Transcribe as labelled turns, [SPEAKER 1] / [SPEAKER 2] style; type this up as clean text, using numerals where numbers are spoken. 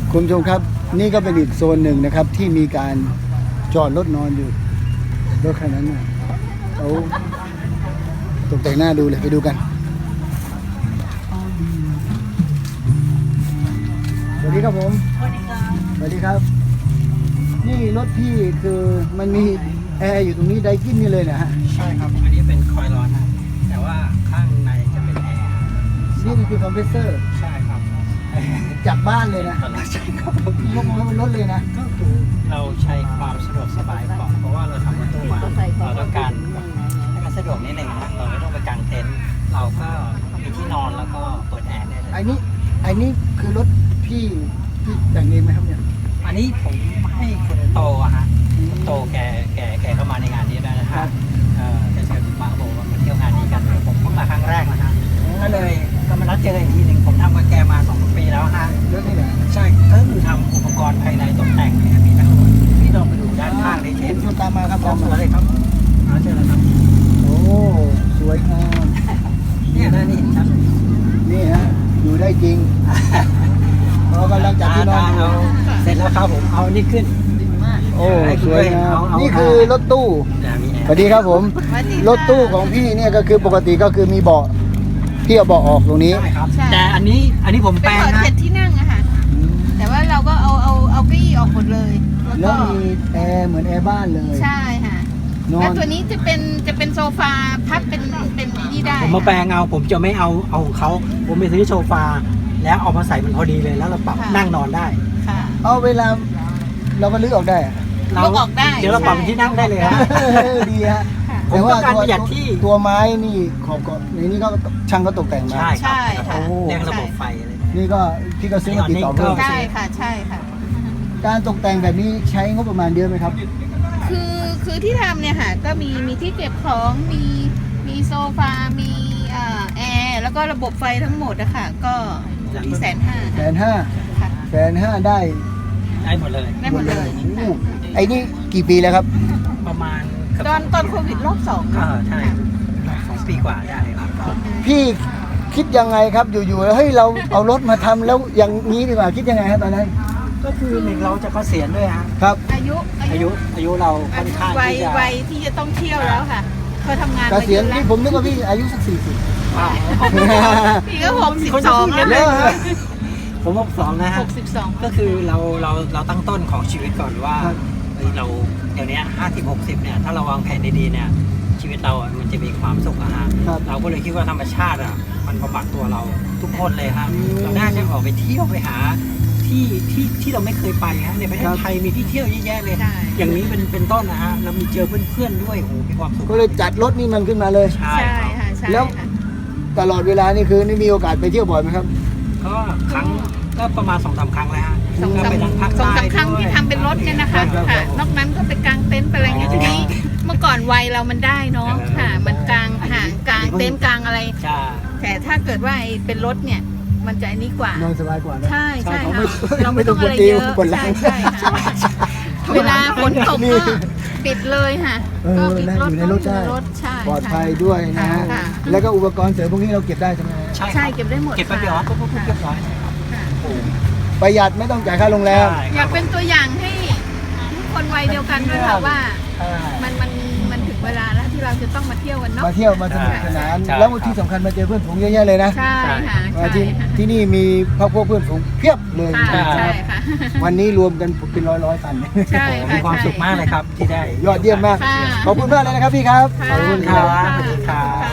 [SPEAKER 1] คุณผู้ชมครับนี่ก็เป็นอีกโซนหนึ่งนะครับที่มีการจอดรถนอนอยู่รถคันนั้นน่ะเขาตกแต่งหน้าดูเลยไปดูกันสวัสดีครับผมสวัสดีครับนี่รถพี่คือมันมีแอร์อยู่ตรงนี้ไดกินนี่เลยนะฮะ
[SPEAKER 2] ใช่ครับอันนี้เป็นคอยล์ร้อนนะแต่ว่าข้างในจะเป็นแอร์
[SPEAKER 1] นี่คือคอมเพรสเซอร์
[SPEAKER 2] ใช่ครับ
[SPEAKER 1] จากบ้านเลยนะ
[SPEAKER 2] ใช่ครับ
[SPEAKER 1] ยกมาบนรถเลยนะ
[SPEAKER 2] ก็คือเราใช้ความสะดวกสบายก่อนเพราะว่าเราทำรถตู้มาเราต้องการให้มันสะดวกนิดหนึ่งนะเราไม่ต้องไปกางเต็นท์เราก็มีที่นอนแล้วก็เปิดแอร์ได้เลย
[SPEAKER 1] ไอ้นี่คือรถพี่แต่งเองไหมครับเนี่ย
[SPEAKER 2] อันนี้ผมให้คุณโตอะฮะคุณโตแกเข้ามาในงานนี้ได้นะฮะแกเชิญมาบอกว่ามาเที่ยวงานนี้กันผมเพิ่งมาครั้งแรกนะฮะก็เลยก็มานัดเจอกันอีกทีหนึ่งผมทำกับแกมา2 ปีแล้วฮะ
[SPEAKER 1] รถนี่แหละ
[SPEAKER 2] ใช่ก็คือทำอุปกรณ์ภายในตกแต่งเนี่ยมีทั้งหมดที่เราไปดูด้านข้างในเทป
[SPEAKER 1] ตามมาครับ
[SPEAKER 2] ตามมาเลยครับเชิญเลยครับ
[SPEAKER 1] โอ้สวยงาม
[SPEAKER 2] เนี่ยนะนี่ครับ
[SPEAKER 1] นี่ฮะอยู่ได้จริงเรากำลังจัดที่นอนอยู่
[SPEAKER 2] เสร็จแล้วครับผมเอานี่ขึ้น
[SPEAKER 1] โอ้สวยงามนี่คือรถตู้สวัสดีครับผมรถตู้ของพี่เนี่ยก็คือปกติก็คือมีเบาะพี่เอาเบาะออกตรงนี้
[SPEAKER 2] แต่อันนี้ผมแปลงนะ
[SPEAKER 3] เป็นที่นั่งอะค่ะแต่ว่าเราก็เอาเก้าอี้ออกหมดเลย
[SPEAKER 1] แล้วมีแอร์เหมือนแอร์บ้านเลย
[SPEAKER 3] ใช่ค่ะแล้วตัวนี้จะเป็นโซฟาพับเป็นนี่ได้
[SPEAKER 2] ผมมาแปลงเอาผมจะไม่เอาของเขาผมไปซื้อโซฟาแล้วเอามาใส่มันพอดีเลยแล้วเราปรับนั่งนอนได้
[SPEAKER 1] เอาเวลาเราก็ลื้อออกได้
[SPEAKER 3] เราออกได้
[SPEAKER 2] เดี๋ยวเราปรับที่นั่งได้เลยฮะ
[SPEAKER 1] ดีฮะ
[SPEAKER 2] ผมต้องการประหยัดที่
[SPEAKER 1] ตัวไม้นี่ขอบก็ในนี้ก็ช่างก็ตกแต่งมา
[SPEAKER 2] ใช่ครับเรียงระบบไฟอะไร
[SPEAKER 1] นี่ก็พี่ก็ซื้อมาติดต่อเพิ่ม
[SPEAKER 3] ใช่ค่ะใช่ค่ะ
[SPEAKER 1] การตกแต่งแบบนี้ใช้งบประมาณเยอะไหมครับ
[SPEAKER 3] คือที่ทำเนี่ยค่ะก็มีที่เก็บของมีโซฟามีแอร์แล้วก็ระบบไฟทั้งหมดอะค่ะก็ที่
[SPEAKER 1] 150,000ได้
[SPEAKER 2] หมดเลย
[SPEAKER 3] ได้หมดเลย
[SPEAKER 1] ไอ้นี่กี่ปีแล้วครับ
[SPEAKER 2] ประมาณ
[SPEAKER 3] ตอนโควิดรอบ2
[SPEAKER 2] ใช่2 ปีกว่าได้ครับ
[SPEAKER 1] พี่คิดยังไงครับอยู่ๆแล้วเฮ้ยเราเอารถมาทำแล้วอย่างนี้ดีกว่าคิดยังไงครับตอนนั้น
[SPEAKER 2] ก็คือหนึ่งเราจะเกษียณด้วยฮะ
[SPEAKER 1] ครับ
[SPEAKER 3] อา
[SPEAKER 2] ยุเราค่อนข้างที่จะ
[SPEAKER 3] วัยที่จะต้องเที่ยวแล้วค่ะเคยทำงาน
[SPEAKER 1] เกษียณที่ผมนึกว่าพี่อายุสัก40
[SPEAKER 3] พี่ก็62แล้ว
[SPEAKER 2] ผม62นะฮะ
[SPEAKER 3] 62
[SPEAKER 2] ก็คือเราตั้งต้นของชีวิตก่อนว่าเราเดี๋ยวนี้50-60เนี่ยถ้าเราวางแผนดีๆเนี่ยชีวิตเรามันจะมีความสุขอะฮะเราก็เลยคิดว่าธรรมชาติอะมันบำบัดตัวเราทุกคนเลยฮะเราน่าจะออกไปเที่ยวไปหาที่เราไม่เคยไปฮะในประเทศไทยมีที่เที่ยวเยอะแยะเลยอย่างนี้เป็นต้นนะฮะเรามีเจอเพื่อนๆด้วยโอ้มีความสุข
[SPEAKER 1] ก็เลยจัดรถนี่มันขึ้นมาเลย
[SPEAKER 3] ใช่ค่ะ
[SPEAKER 1] แล้วตลอดเวลานี่คือนี่มีโอกาสไปเที่ยวบ่อยไหมครับ
[SPEAKER 2] ก็ประมาณ2-3 ครั้งแล้วฮะ
[SPEAKER 3] 2-3 ครั้งที่ทำเป็นรถเนี่ยนะคะค่ะนอกนั้นก็ไปกางเต็นท์ไปอะไรเงี้ยทีนี้เมื่อก่อนวัยเรามันได้เนาะค่ะมันกางเต็นท์กางอะไรแต่ถ้าเกิดว่าเป็นรถเนี่ยมันจะอันนี้กว่าน
[SPEAKER 1] อนสบายกว่า
[SPEAKER 3] ใช่ค่ะ
[SPEAKER 1] เราไม่ต้องอะไรเยอะ
[SPEAKER 3] ใช่เวลาฝนตกก็ปิดเลยค่ะก็ปิดรถใช่
[SPEAKER 1] ปลอดภัยด้วยนะฮะแล้วก็อุปกรณ์เสริมพวกนี้เราเก็บได้ใช่ไหม
[SPEAKER 3] ใช่เก็บได้หมด
[SPEAKER 2] เก็บไปเดี๋ยวก็เรียบร้อย
[SPEAKER 1] ประหยัดไม่ต้องจ่ายค่าโรงแรม
[SPEAKER 3] อยากเป็นตัวอย่างให้คนวัยเดียวกันด้วยค่ะว่ามันถึงเวลาแล้วที่เราจะต้องมาเที่ยวกันเนาะ
[SPEAKER 1] มาเที่ยวมาสนุกสนานแล้วที่สำคัญมาเจอเพื่อนฝูงเยอะแยะเลยนะ
[SPEAKER 3] ใช่ค่ะ
[SPEAKER 1] ที่นี่มีพวกเพื่อนฝูงเพียบเลย
[SPEAKER 3] ใช่ค่ะ
[SPEAKER 1] วันนี้รวมกันเป็นร้อยคัน
[SPEAKER 3] ใช่
[SPEAKER 2] มีความสุขมากเลยครับที่ได้
[SPEAKER 1] ยอดเยี่ยมมากขอบคุณมากเลยนะครับพี่ครับ
[SPEAKER 2] ขอบคุณครับสวัสดีครับ